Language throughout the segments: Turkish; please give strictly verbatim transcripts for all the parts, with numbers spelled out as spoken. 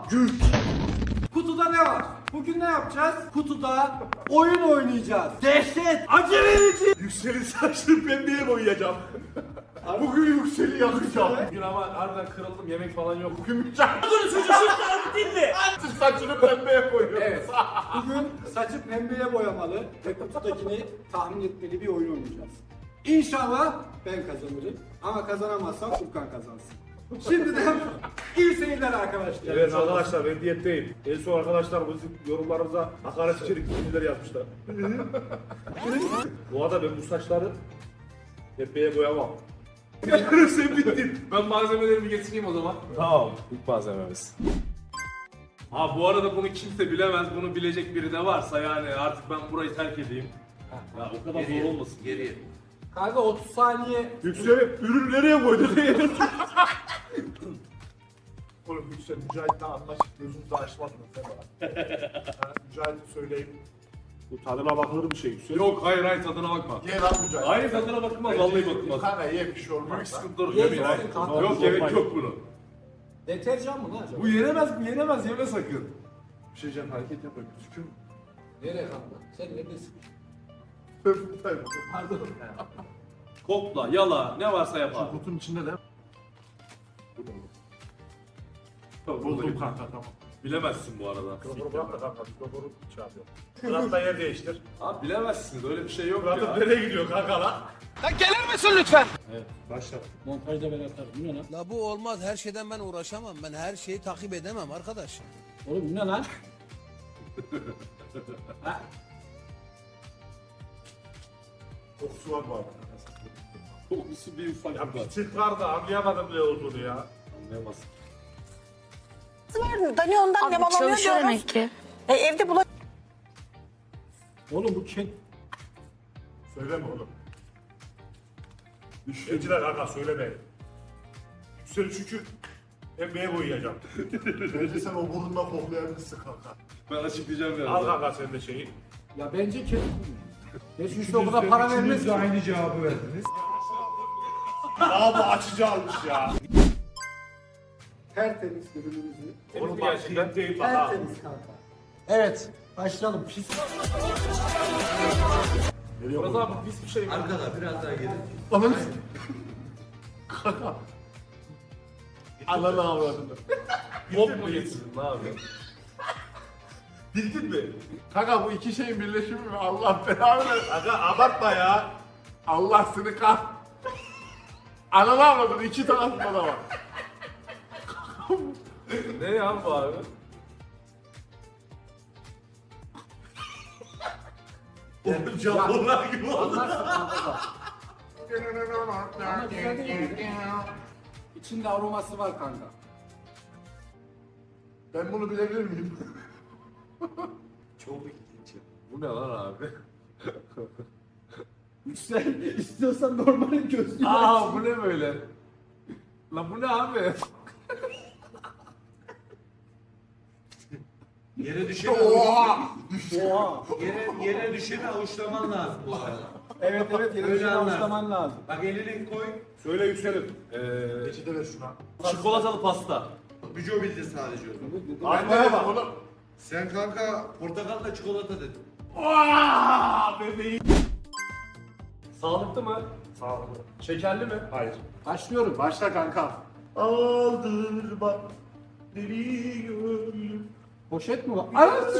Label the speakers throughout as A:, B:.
A: Güç.
B: Kutuda ne var? Bugün ne yapacağız? Kutuda oyun oynayacağız. Dehşet, acı verici.
A: Yüksel'in saçını pembeye boyayacağım. Bugün Yüksel'i yakacağım.
C: Bugün ama harbiden kırıldım, yemek falan yok.
A: Bugün Mücahit
B: Dinle.
A: saçını pembeye boyuyor.
B: Evet. Bugün saçı pembeye boyamalı ve kututakini tahmin etmeli bir oyun oynayacağız. İnşallah ben kazanırım. Ama kazanamazsam Furkan kazansın. Şimdiden iyi seyirler arkadaşlar.
C: Evet arkadaşlar, ben diyetteyim. En son arkadaşlar bizim yorumlarımıza hakaret içerik cümleler yazmışlar. Bu arada ben bu saçları pembeye boyamam.
A: Sen bittin.
C: Ben malzemelerimi getireyim o zaman. Tamam, ilk malzememiz. Ha bu arada bunu kimse bilemez, bunu bilecek biri de varsa yani artık ben burayı terk edeyim. Ya o kadar zor olmasın.
D: Geriye.
B: Kanka otuz saniye.
A: Yüksel'i ürün nereye koydu diye. Oğlum Yüksel Mücahit'le anlaşıp gözünüzü açmadınız sen bana. Ha, Mücahit'e söyleyeyim. Bu tadına bakılır bir şey Yüksel.
C: Yok hayır hayır tadına bakma.
A: Ye lan Mücahit.
C: Hayır tadına bakılmaz, vallahi bakılmaz.
A: Kanka ye bir şey olmaz.
C: Büyük sıkıntılar
B: Ye,
C: yemeyin.
B: ye, kanka.
C: Yok gerek yok bunu.
B: Deterjan mı lan acaba?
C: Bu yenemez, bu yenemez, yeme sakın.
A: Bir şey diyeceğim hareket yapma gözüküyor mu?
B: Nereye kanka? Sen neredesin?
A: Ben buradayım.
B: Pardon.
C: Kokla, yala, ne varsa yap
A: Şu
C: abi.
A: kutunun içinde ne?
C: Tamam,
A: Buldum
C: buradayım.
A: kanka tamam.
C: Bilemezsin bu arada.
A: Mikrofonu bırak da kanka mikrofonu şey yapıyor. Fırat'la yer değiştir.
C: Abi bilemezsiniz, öyle bir şey yok
A: Fırat'ın
C: ya.
A: nereye gidiyor kanka lan?
C: Başla.
B: Montajda ben atarım. Bu ne lan?
E: La bu olmaz. Her şeyden ben uğraşamam. Ben her şeyi takip edemem arkadaş.
B: Oğlum bu ne lan? Ha?
A: Kokusu var bu arada.
C: Kokusu bir ufak
A: Ya
C: bir
A: bir tık var da anlayamadım ne olduğunu ya.
C: Anlayamazsın.
F: var. Dani ondan
G: Abi
F: nemalanıyor
G: çalışıyor
F: diyorum.
G: demek ki.
F: E, evde bula...
B: Oğlum bu kim?
A: Söyleme oğlum. Düşüncüler kanka söyleme. Yüksel çünkü pembeye boyayacağım. Bence sen o burnundan koklayabilirsin kanka.
C: Ben açıklayacağım biraz.
A: Al kanka sen de şeyi.
B: Ya bence kim? Geçmişte o kadar para vermez ki.
A: aynı cevabı verdiniz. Daha bu açıcı almış ya.
B: Tertemiz ürünümüzü.
A: Oğlum bak gerçekten değil bak ha.
B: Tertemiz kanka. Evet. Başlayalım. Pis.
C: Biraz abi pis bir şey mi?
D: Arkada biraz daha geri.
A: Ananı kanka. Ananı avradını.
C: Bok mu getirdin ne abi?
A: Bildin mi? Kanka bu iki şeyin birleşimi mi? Allah belanı versin. Kanka abartma ya. Allah seni kah. Ananı avradını iki tarafında da var.
C: Ne ya bu abi?
A: Oğlum Japonlar gibi oldu.
B: Anlarsın kanka da. Ama güzel değil mi? İçinde aroması var kanka.
A: Ben bunu bilebilir miyim?
D: Çok ilginç.
C: Bu ne lan abi?
B: Yüksel. İstiyorsan normalin gözlüğü.
C: Aa bu ne böyle? Lan bu ne abi?
D: Yere düşene
B: Oha.
D: yere, yere düşene avuçlaman lazım bu arada.
B: Evet evet.
D: Öyle
B: Yeni
D: anlar.
B: avuçlaman lazım.
D: Bak elini koy.
C: Söyle yükselim. Ee,
A: Geçide ver şuna.
C: çikolatalı pasta.
D: Büco bildi sadece o zaman.
A: Arkaya bak oğlum.
D: Sen kanka portakalla çikolata dedin.
A: Aaaa bebeğim.
C: Sağlıklı mı?
A: Sağlıklı.
C: Şekerli mi?
A: Hayır.
B: Başlıyorum.
A: Başla kanka. Aldır bak. Deli gönlüm.
B: Poşet mi var? Anasını.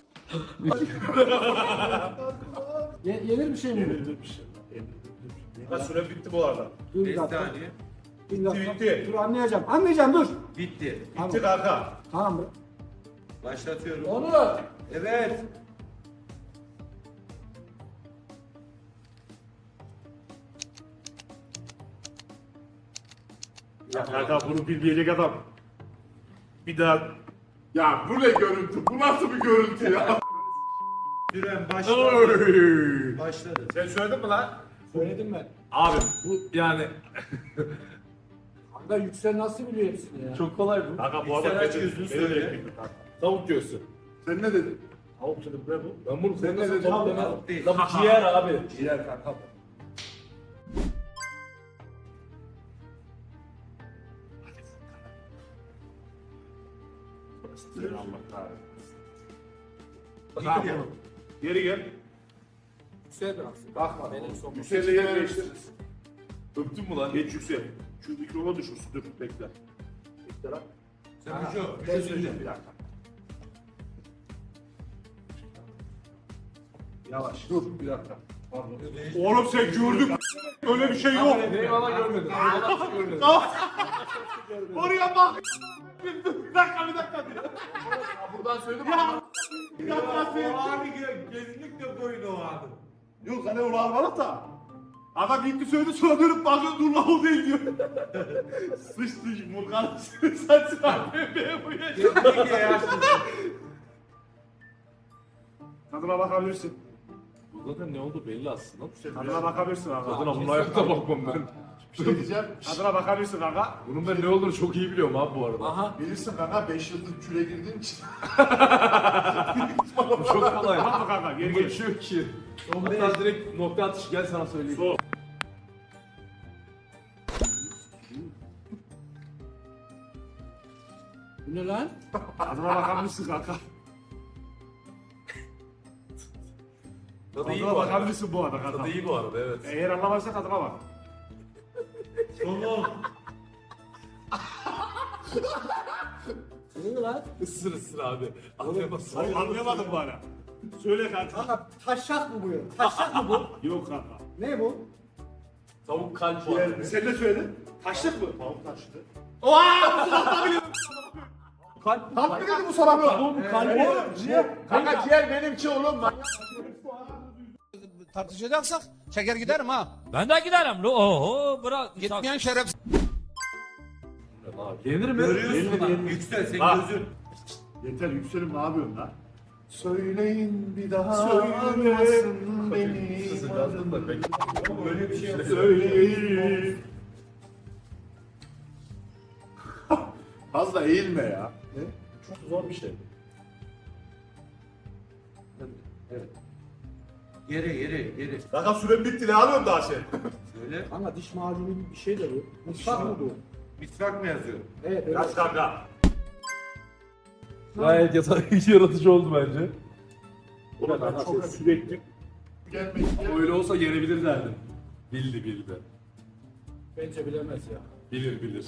B: Ye- yenir bir şey mi?
A: Yenilir bir şey. Yenilir bir şey. Ha süre bitti bu arada.
B: Dur bir
D: beş
B: dakika.
D: saniye.
B: Bir dakika.
A: Bitti.
B: Dur anlayacağım. Anlayacağım dur.
D: Bitti.
A: Bitti kanka.
B: Tamam mı?
D: Başlatıyorum.
B: Onu.
D: Evet.
A: Ya kanka bunu bilmeyecek adam. Bir daha. Ya bu ne görüntü? Bu nasıl bir görüntü ya?
D: Süren başladı.
A: Oy.
D: Başladı.
A: Sen söyledin mi lan?
B: Söyledim ben.
C: Abi bu yani
B: Kanka Yüksel nasıl biliyor hepsini ya?
C: çok kolay bu.
A: Kanka bu
D: İlk sen
A: adam
D: aç
A: beni-
D: gözünü
A: beni
D: söyle.
A: bekliyor kanka.
C: Tavuk göğsü.
A: Sen ne dedin?
C: Tavuk dedim ne bu? Ben bunu
A: Sen ne
C: nasıl
A: dedin?
C: tavuk demem.
D: Tavuk değil.
C: Lan bu ciğer abi.
A: Ciğer kanka. Allah kahretsin.
C: Tamam. Geri gel.
B: Yüksel biraz.
A: Bakma.
B: Benim son.
A: Yüksel'le yer değiştiririz.
C: Öptün mü lan?
A: Geç Yüksel. Şu mikrofona düşürsün. Dur bekle. Bekle lan.
D: Sen bir şey
A: Bir şey söyleyeceğim bir dakika. Yavaş. Dur bir dakika. Pardon.
C: Oğlum sen gördün. Öyle bir şey yok.
B: Eyvallah görmedim. Eyvallah görmedim.
C: Oraya bak. Bir dakika bir dakika.
A: Ya buradan söyledim.
C: Ya.
D: Ya o abi ge- kesinlikle koyun o abi.
C: Yok hani onu almadık da. Adam gitti söyledi sonra dönüp bakıyor dur lan o değil diyor. Sıçtı Murkan saçı pembeye boyayacak.
D: Kesinlikle yaşlısın.
C: Tadına bakabilirsin.
F: Bu zaten ne oldu belli aslında.
C: Tadına bakabilirsin kanka.
F: Tadına bunun ayakta bakmam ben.
A: Bir şey diyeceğim.
C: Tadına bakabilirsin kanka.
F: Bunun ben ne olduğunu çok iyi biliyorum abi bu arada.
B: Aha.
A: Bilirsin kanka beş yıldır küre girdiğin için.
F: Bu çok kolay.
C: Tamam mı kanka? Geri
F: Bunda bir
C: gel.
F: şey yok ki. Hatta direkt nokta atışı gel sana söyleyeyim.
C: Sol.
B: Bu ne lan?
C: Tadına bakabilirsin kanka.
F: Tadı iyi
C: Tadına
F: bu arada.
C: bakabilirsin bu arada kanka.
F: Tadı iyi bu arada evet.
C: Eğer anlamazsan tadına bak.
D: Sonu.
B: Bu ne lan?
F: Isır ısır abi. Anlayamazsın.
C: Hayır anlayamadın bana. Söyle kanka.
B: Kanka taşak mı bu ya? Taşak mı bu?
C: Yok kanka.
B: Ne bu?
F: Tavuk kalp
C: Diğer,
F: var.
C: sen ne söyledin? Taşlık mı?
A: Tavuk taşıdı.
F: Kalp.
A: Tam mı dedi bu sana bu?
F: Tavuk kalbi.
A: Kanka ciğer benimki oğlum lan.
E: Tartışacaksak çeker giderim ha.
G: Ben de giderim. lo- Oho bırak.
E: Gitmeyen şeref.
F: Yenir mi?
D: Görüyorsun lan. Yüksel senin
C: Bak.
D: gözün.
C: Yeter yükselim ne yapıyorsun lan?
A: Söyleyin bir daha
C: Söyle.
A: almasın beni.
F: Yazdım da pek.
D: Böyle bir şey yok.
C: Söyleyin.
A: Fazla eğilme ya.
C: Çok zor bir şey.
D: Yere yere yere.
C: Kanka süren bitti ne alıyorsun daha sen?
D: Söyle.
B: Kanka diş macunu gibi bir şey de bu. Mutfak mı bu?
D: Misvak mı yazıyor?
B: Evet evet.
C: Kaç kanka?
F: Gayet yata- yaratıcı oldu bence.
C: Ulan kanka çok sürekli
A: Gelmek
F: Öyle olsa yenebilir derdim. Bildi bildi.
B: Bence bilemez ya.
F: Bilir bilir.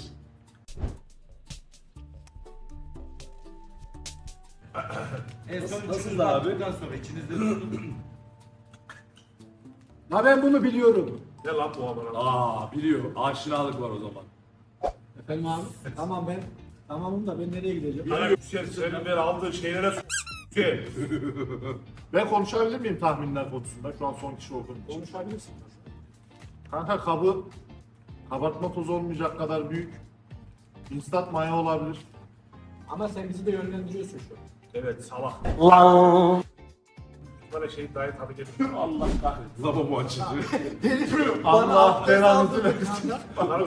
D: En son
F: Nasıl
D: üçünüz
F: da abi?
D: baktıktan sonra içinizde tutun.
B: Ha ben bunu biliyorum.
C: ne lan bu amına?
F: Aa biliyor. Aşinalık var o zaman.
B: Efendim abi? Tamam ben. Tamamım da ben nereye gideceğim?
C: Bana yüksel senin ben aldığın şeylere s***. Yüksel.
A: Ben konuşabilir miyim tahminler konusunda? Şu an son kişi olduğum için.
B: Konuşabilirsin.
A: Kanka kabı kabartma tozu olmayacak kadar büyük. Instant maya olabilir.
B: Ama sen bizi de yönlendiriyorsun şu an.
C: Evet salak. Böyle şey dahi tadı geliyor.
A: Allah kahretsin.
F: Lavabo açıcı.
A: Allah belanızı versin.
C: Bana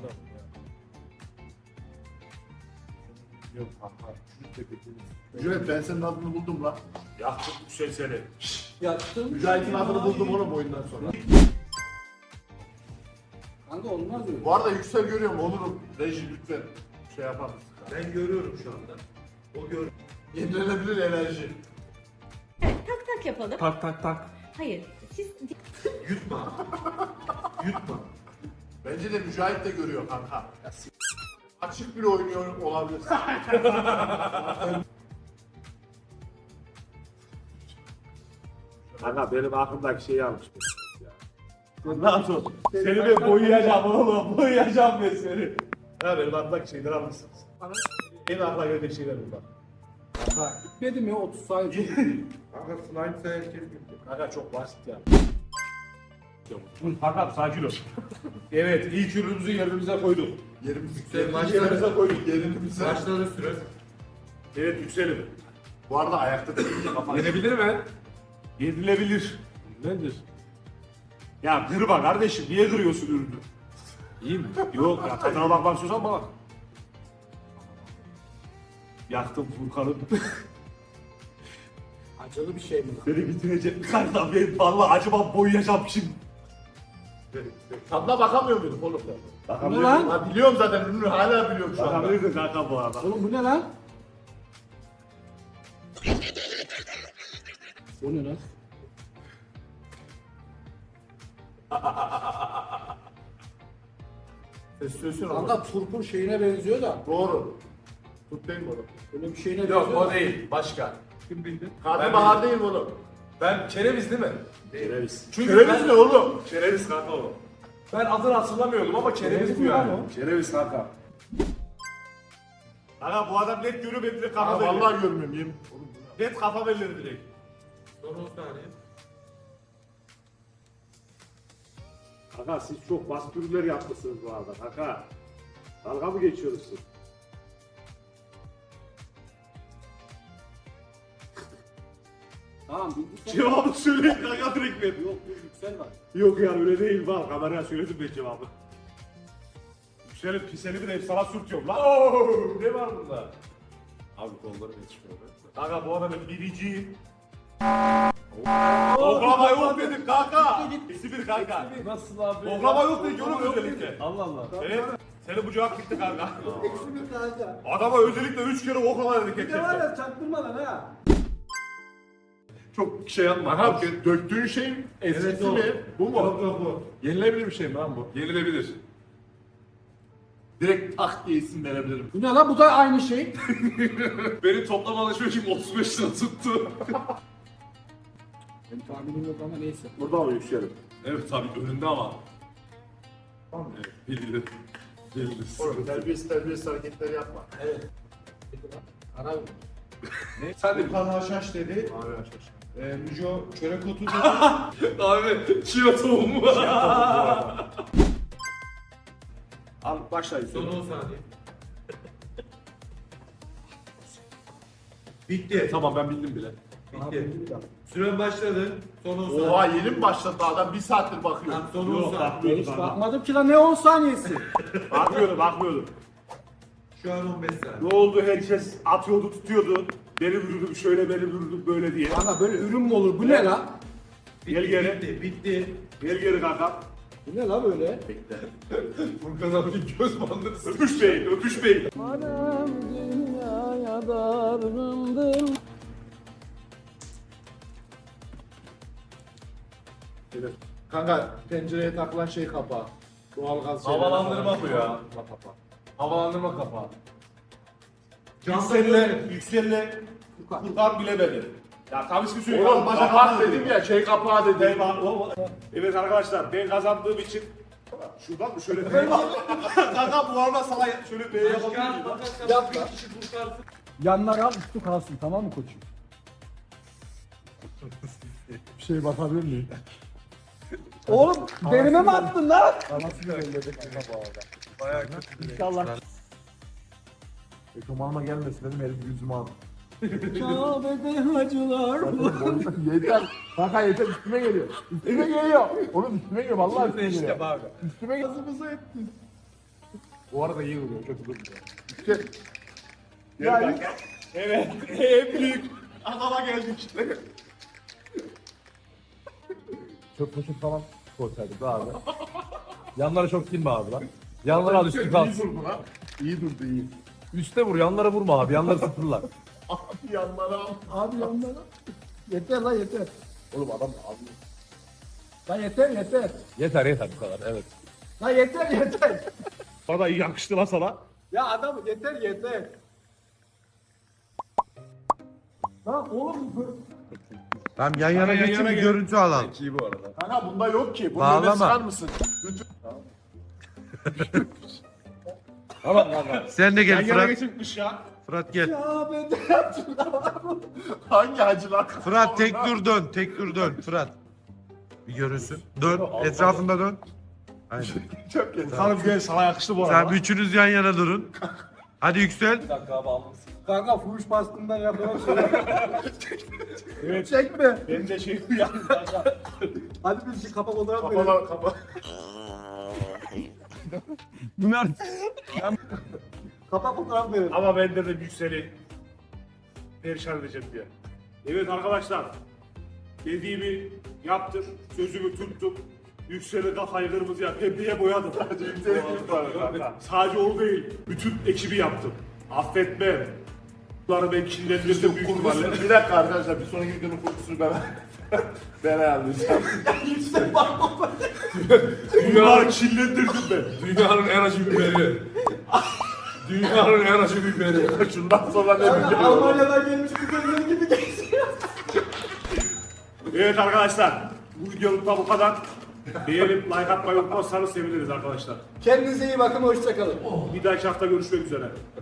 A: Yok kanka. Mücahit ben senin adını buldum lan.
C: yaktım yüksel seni.
B: Yattım.
A: Mücahit'in adını buldum oğlum oyundan sonra.
B: Kanka olmaz öyle.
A: Bu arada yüksel görüyorum olurum. Reji lütfen şey yapar mısın?
D: Ben görüyorum şu anda. O gör.
A: Yenilenebilir enerji.
H: Evet, tak tak yapalım.
F: Tak tak tak.
H: Hayır, siz
D: Yutma. Yutma.
A: Bence de Mücahit de görüyor kanka. Açık bile oynuyor olabilir.
C: Kanka benim aklımdaki şeyi almış. Ne yapıyorsun? Seni ben boyayacağım oğlum. Boyayacağım ben seni. Ha benim aklımdaki şeyleri almışsınız. En akla gelecek şeyler bunlar.
B: Bitmedi mi otuz saniye?
D: Kanka slime ise herkes gitti.
C: Kanka çok basit ya. Kanka sakin ol. Evet ilk ürünümüzü yerimize koyduk.
A: Yerimizi
D: Sen başla.
A: yerimize koyduk. Yerimize.
D: Başladı süre.
C: Evet yükselim.
A: Bu arada ayakta değil.
F: Yenebilir mi?
C: Yedilebilir.
F: Nedir?
C: Ya kırma kardeşim niye kırıyorsun ürünü?
F: İyi mi?
C: Yok ya tadına bakmak istiyorsan bak. Yaktım Furkan'ı.
B: Acılı bir şey mi?
C: Beni bitirecek. Kanka ben vallahi acaba boyayacağım şimdi.
A: Tadına bakamıyor muyduk oğlum?
B: Bu ne lan?
A: Ha, biliyorum zaten ürünü hala biliyorum şu anda.
C: Bakabilirdin kanka bu arada.
B: Oğlum bu ne lan? O ne lan?
A: Ses söylesene oğlum.
B: Kanka turpun şeyine benziyor da.
A: Doğru. Tut değil mi oğlum?
B: Öyle bir şeyine benziyor.
C: Yok o
B: da.
C: değil. Başka.
B: Kim bildi?
A: Karnabahar değil mi oğlum?
C: Ben kereviz değil mi?
F: Kereviz.
C: Çünkü
A: Kereviz ne oğlum?
F: Kereviz kanka o.
C: ben adını hatırlamıyordum ama kereviz bu
B: mi lan
C: yani.
B: o?
F: Kereviz kanka. Kanka bu adam net görüyor benim direkt
A: Ha,
F: kafa belli.
A: vallahi görmüyorum yemin. Oğlum bu ne?
F: Net kafa belli direkt.
D: Son on saniye.
F: Kanka siz çok basit ürünler yapmışsınız bu arada kanka. Dalga mı geçiyorsunuz siz?
B: Tamam bildik.
F: Cevabı söyleyin kanka direkt ver.
B: Yok dur yüksel var.
F: Yok ya öyle değil var. Kameraya söyledim ben cevabı. Yükselip piseli bir de hep sana sürtüyorum lan.
C: Oo, ne var bunda? Abi kollarım yetişmiyor.
F: Kanka bu adamın biriciyim. Oklama yok dedim kanka. İkisi bir kanka.
C: Nasıl abi?
F: Oklama yok dedik oğlum özellikle.
C: Allah Allah.
F: Evet. Senin bu cevap gitti kanka.
B: Eksi bir kanka.
F: Adama özellikle üç kere oklama dedik
B: Bir de var
F: hep.
B: ya çaktırma lan ha.
F: Çok şey yapma.
A: Aha döktüğün şeyin eskisi
D: o.
A: mi? Bu mu?
D: Yok yok bu.
A: Yenilebilir bir şey mi lan bu?
C: Yenilebilir.
A: Direkt tak diye isim verebilirim.
B: Bu ne lan bu da aynı şey.
C: Benim toplam alışverişim otuz beş lira tuttu.
B: Benim tahminim yok ama neyse.
F: Burada mı yükselim?
C: Evet tabii önünde ama. Evet, bildi. Bildi.
A: Oğlum terbiyesiz terbiyesiz hareketler yapma.
B: Ara
C: Sen de
D: Furkan Haşhaş dedi.
A: Abi aşağı.
D: Ee, Müco çörek otu dedi.
C: abi çiğ tohumu.
F: Al başlayın.
D: Son on saniye. Bitti.
F: Tamam ben bildim bile.
D: Bitti. Süren başladı. Son on saniye.
A: Oha yeni mi başladı adam? Bir saattir bakıyor.
D: Tamam, son on
F: Yok
D: saniye.
F: bakmıyordum
B: Hiç
F: kanka.
B: bakmadım ki lan ne on saniyesi.
F: Bakmıyordum bakmıyordum.
D: Şu an on beş saniye.
F: Ne oldu herkes atıyordu tutuyordu. Beni vurdum şöyle beni vurdum böyle diye.
B: Kanka böyle ürün mü olur? Bu ne lan?
F: Gel geri.
D: Bitti. Bitti.
F: Gel geri kanka.
B: Bu ne lan böyle?
C: Furkan abi göz bandını sık.
F: Öpüş bey öpüş bey.
A: Kanka pencereye takılan şey kapağı. Doğalgaz şeyleri
C: Havalandırma
A: falan.
C: bu ya.
A: Kapağı.
C: Havalandırma kapağı.
F: Yüksel'le Yüksel'le Furkan bilemedi. Ya tabii ki söyleyeyim.
A: Oğlum kapak dedim ya şey kapağı dedim.
F: Eyvah, oğlum. Evet arkadaşlar ben kazandığım için şuradan mı şöyle B'ye kanka bu arada sana şöyle B'ye yapabilir miyim?
B: Yap lan. Yanlara al üstü kalsın tamam mı koçum?
A: Bir şey bakabilir miyim?
B: Oğlum derime mi attın lan?
A: Nasıl belirledi kanka bu arada?
C: Bayağı kötü.
B: İnşallah.
A: Ekomanıma gelmesin dedim elim yüzüme aldım.
B: Kabe'de hacılar.
A: yeter. Kanka yeter üstüme geliyor. Üstüme geliyor. Oğlum üstüme geliyor vallahi üstüme geliyor.
C: İşte abi.
A: Üstüme gazımızı ettin. Bu arada iyi vuruyor kötü durmuyor. İşte
F: Yani evet en büyük adama geldik.
I: Çok poşet falan koysaydık da abi. Yanlara çok silme abi lan. Yanlara al üstü
A: iyi
I: kalsın.
A: durdu lan. İyi durdu iyi.
I: Üste vur yanlara vurma abi. Yanları sıfırlar.
A: Abi yanlara al.
B: Abi yanlara. Yeter lan yeter.
A: Oğlum adam almıyor.
B: Lan yeter yeter.
I: Yeter yeter bu kadar evet.
B: Lan yeter yeter.
F: Bana iyi yakıştı lan sana.
B: Ya adam yeter yeter. Lan oğlum
D: Tamam yan yana
F: yan
D: geçin
F: yana
D: bir
F: gel.
D: görüntü alalım.
C: İyi bu arada.
A: Kanka bunda yok ki. Bunu
D: Bağlama.
A: öne çıkar mısın? Bütün...
I: Tamam kanka.
D: Sen de
F: Yan
D: gel
F: yana
D: Fırat.
F: geçinmiş ya.
D: Fırat gel.
B: Kabe'de hacılar.
A: Hangi hacılar?
D: Fırat tek dur dön. Tek dur dön Fırat. Bir görünsün. Dön. Etrafında dön. Aynen.
A: Çok kötü.
F: Sana gel sana yakıştı bu
D: Sen
F: arada.
D: üçünüz yan yana durun. Hadi yüksel.
I: Bir dakika abi almışsın.
B: Kanka fuhuş baskından yapılan şey.
F: Evet.
B: Çekme.
F: Ben de şey yani kanka.
B: Hadi bir şey kapak olarak verelim.
A: Kapalı kapalı.
I: Bunlar
B: Kapak olarak verelim.
F: Ama ben de yükseli perişan edeceğim diye. Evet arkadaşlar. Dediğimi yaptım. Sözümü tuttum. Yükseli kafayı kırmızıya pembeye boyadım. Sadece yükseli Sadece o değil. Bütün ekibi yaptım. Affetmem. bunları ben kirlendirdim büyük ihtimalle.
A: Kokusunu, bir dakika arkadaşlar bir sonraki videonun kokusunu ben ben ayarlayacağım.
F: Bunları kirlendirdim ben.
C: Dünyanın en acı biberi. Dünyanın en acı biberi.
A: Şundan sonra ne
B: Yani
A: biliyorum.
B: Almanya'dan gelmiş güzelleri gibi geziyor.
F: Evet arkadaşlar. Bu videoluk da bu kadar. Beğenip like atmayı unutmazsanız seviniriz arkadaşlar.
B: Kendinize iyi bakın, hoşçakalın.
F: Bir dahaki hafta görüşmek üzere.